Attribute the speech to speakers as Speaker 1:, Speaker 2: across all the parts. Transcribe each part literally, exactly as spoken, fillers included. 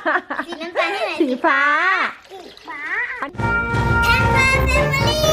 Speaker 1: สีน้ำตาลที่ไหน
Speaker 2: สีฟ้า
Speaker 1: สีฟ้าแอนมาเซมอรี่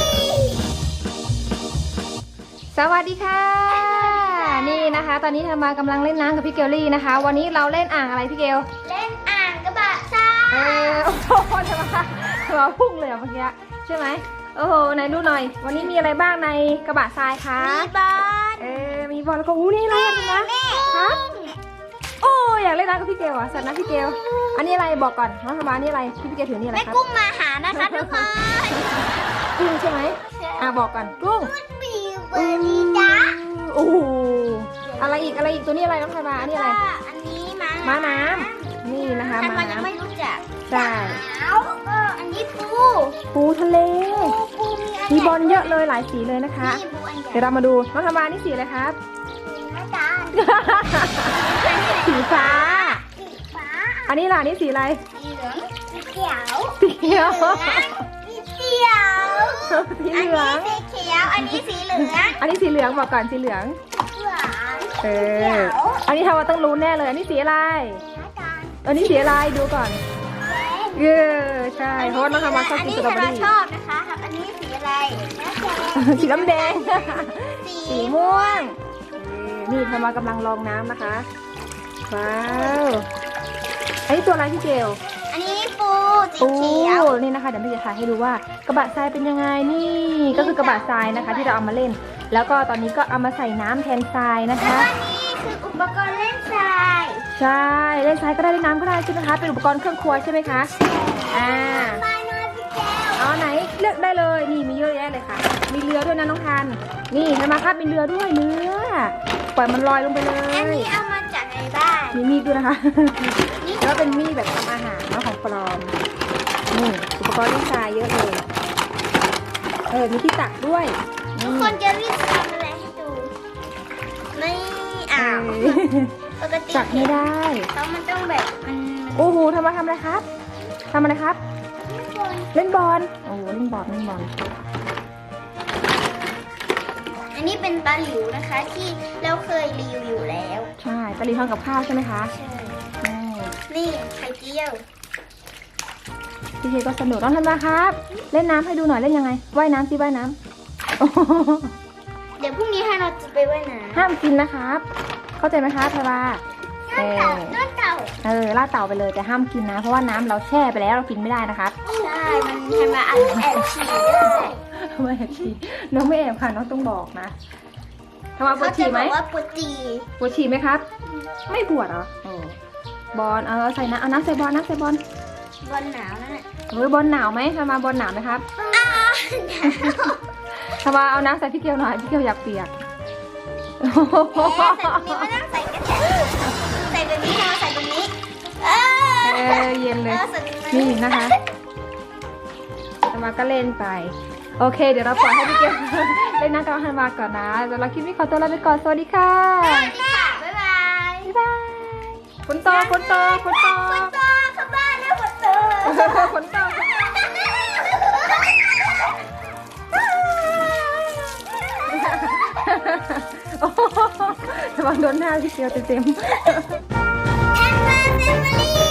Speaker 2: สวัสดีค่ะ นี่นะคะ ตอนนี้ทำมากำลังเล่นน้ำกับพี่เกลลี่นะคะ วันนี้เราเล่นอ่างอะไรพี่เกล
Speaker 1: เล่นอ่างกระบะทราย
Speaker 2: เออโอ้โหจะมาจะมาพุ่งเลยอ่ะเมื่อกี้ใช่ไหมโอ้โหไหนดูหน่อย วันนี้มีอะไรบ้างในกระบะทรายคะ
Speaker 1: มีบอล
Speaker 2: เออมีบอลแล้วก็อู้นี่อะไรอ่ะนะครับโอ้อยากเล่นน้ำกับพี่เกลอ่ะสัตว์นะพี่เกลอันนี้อะไรบอกก่อนน้องธรรมานี่อะไรที่พี่เกลถือนี่อะไร
Speaker 1: แม่
Speaker 2: ครับ
Speaker 1: กุ้งมาหานะคะทุกคน
Speaker 2: กุ้งใช่ไหมอ่ะบอกก่อนกุ้ง
Speaker 1: บีเบอร์ดีจ้า
Speaker 2: โอ้โหอะไรอีกอะไรอีกตัวนี้อะไรน้องธรรมาอันนี้อะไร
Speaker 1: อันนี้ม้า
Speaker 2: ม้าน้ำนี่นะคะ
Speaker 1: อัน
Speaker 2: ม้า
Speaker 1: มันยังไม่
Speaker 2: น้ำ
Speaker 1: รู้จัก
Speaker 2: ใช่
Speaker 1: เอาเอออันนี้ปู
Speaker 2: ปูทะเล
Speaker 1: ปูมีอัน
Speaker 2: มีบอลเยอะเลยหลายสีเลยนะคะ
Speaker 1: นี่ปูอันใหญ่
Speaker 2: เดี๋ยวเรามาดูน้องธรรมานี่สีอะไรครับ
Speaker 1: น้ำตาล
Speaker 2: สีฟ้า
Speaker 1: สีฟ้า
Speaker 2: อันนี้ล่ะนี่สีอะไร
Speaker 1: สีเหลืองสีเขียว
Speaker 2: สีเขียว
Speaker 1: สีเขียว
Speaker 2: สี
Speaker 1: อัน
Speaker 2: เหลื
Speaker 1: นี้
Speaker 2: อง
Speaker 1: สีเขียว อันนี้สีเหลือง
Speaker 2: อันนี้สีเหลืองบอกก่อนสีเหลือง
Speaker 1: หวาน
Speaker 2: เออ อันนี้ทำมาต้องรู้แน่เลย อันนี้สีอะไร
Speaker 1: น้ำตาล
Speaker 2: อันนี้สีอะไรดูก่อน
Speaker 1: แดง
Speaker 2: เออใช่เพราะว่าน้องธรรมาชอบกินสตรอเบอ
Speaker 1: อัน
Speaker 2: รี่
Speaker 1: นี้ชอบนะคะครับอันนี้สีอะไรน้ำแดง
Speaker 2: สีน้ำแดง
Speaker 1: สี
Speaker 2: สีม่วงเออนี่ธรรมากำลังลองน้ำนะคะ ว้าวอันนี้ตัวอะไรพี่เกล
Speaker 1: อันนี้ปูสี
Speaker 2: ปู
Speaker 1: เขียว
Speaker 2: นี่นะคะเดี๋ยวพี่จะถ่ายให้ดูว่ากระบะทรายเป็นยังไงนี่ก็คือกระบะทรายนะคะ ที่เราเอามาเล่น แล้วก็ตอนนี้ก็เอามาใส่น้ำแทนทรายนะ
Speaker 1: แล้ว
Speaker 2: คะ
Speaker 1: ก็นี่คืออุปกรณ์เล่นทราย
Speaker 2: ใช่เล่นทรายก็ได้เล่นน้ำก็ได้ใช่ไหมคะเป็นอุปกรณ์เครื่องครัวใช่ไหมคะอ่า
Speaker 1: ปลาโนพี่แก้ว
Speaker 2: อ๋อไหนเลือกได้เลยนี่มีเยอะแยะเลยค่ะ มีเรือด้วยนะน้องทันนี่เห็นไหมครับมีเรือด้วยเรือปล่อยมันลอยลงไปเล
Speaker 1: อัน
Speaker 2: ย
Speaker 1: นี้เอามาจากในบ้าน
Speaker 2: มีมีดด้วยนะคะ แล้วก็เป็นมีดแบบทำอาหารเนาะของปลอมนี่อุปกรณ์เล่นทรายเยอะเลยเออมีที่ตักด้วย
Speaker 1: ทุ
Speaker 2: นี่
Speaker 1: กคนจะรีบทำอะไรให้ดูไม่อ้าว
Speaker 2: เออ
Speaker 1: ปกติ
Speaker 2: ตักไม่ได้
Speaker 1: เขามันต้องแบบมัน
Speaker 2: โอ้โหทำมาทำอะไรครับทำอะไรครับ
Speaker 1: มัน
Speaker 2: เล่นบอลโอ้โหเล่นบอลเล่นบอล
Speaker 1: อันนี้เป็นตาหลิวนะคะที่เราเคยรีวิวอยู่แล้ว
Speaker 2: ใช่ตะลีทำกับข้าวใช่ไหมคะ
Speaker 1: ใช่
Speaker 2: ใช่
Speaker 1: นี่ไข่เจียว
Speaker 2: พี่เคก็สนุกน้องทันมาครับ เล่นน้ำให้ดูหน่อยเล่นยังไงว่ายน้ำสิว่ายน้ำโอ้โห
Speaker 1: เดี๋ยวพรุ่งนี้ให้เราจะไปว่ายน้ำ
Speaker 2: ห้ามกินนะครับ เข้าใจไหมคะทวาเอ
Speaker 1: น้ำเต่า
Speaker 2: อ
Speaker 1: น้ำเต่า
Speaker 2: เออล่าดเต่าไปเลยแต่ห้ามกินนะ เพราะว่าน้ำเราแช่ไปแล้วเรากินไม่ได้นะครับ
Speaker 1: ใช่ มันทำมาอัดแอบฉี่ด้วย
Speaker 2: ไม่แอบฉี่น้องไม่แอบค่ะน้องต้องบอกนะทวาปว
Speaker 1: เขา
Speaker 2: ด
Speaker 1: จะ
Speaker 2: ฉี่
Speaker 1: บ
Speaker 2: ไหม
Speaker 1: อกว่าปวดจี่
Speaker 2: ปวดฉี่ไหมครับ ไม่ปวดเหรอโอ้บอลเออใส่น้ำเอาน้ำใส่บอลน้ำใส่บอล
Speaker 1: บอลหนาวนั่นแหละ
Speaker 2: เฮ้ยบอลหนาวไหมทวาบอลหนาวไหมครับ
Speaker 1: อ้าว
Speaker 2: ทวาเอาน้ำใส่พี่เกียวหน่อยพี่เกียวอยากเปียก
Speaker 1: เอ๊ะใส่ตรงนี้ไม่ต้องใส่กระแทกใส่ตรงนี้เราใส่ตรงนี้เอ
Speaker 2: เอ
Speaker 1: อ
Speaker 2: อเย็นเลย
Speaker 1: ออใส่ตรง
Speaker 2: นี่นะคะธันวาก็เล่นไป โอเค เดี๋ยวเราปล่อยให้พี่เกล เล่นน้ำกับธันวาก่อนนะเดี๋ยวเราคลิปนี้ขอตัวลาไปก่อน สวัสดีค่ะ
Speaker 1: สวัสดีค่ะ บ๊ายบาย
Speaker 2: บ๊ายบายฝนตกฝนตกฝนตก
Speaker 1: ฝนตกเข้าบ้านแล้วฝนตก
Speaker 2: ฝนตกโอ้โหระวังโดนหน้าพี่เกลเต็มๆ
Speaker 1: แอนมาเซมอรี่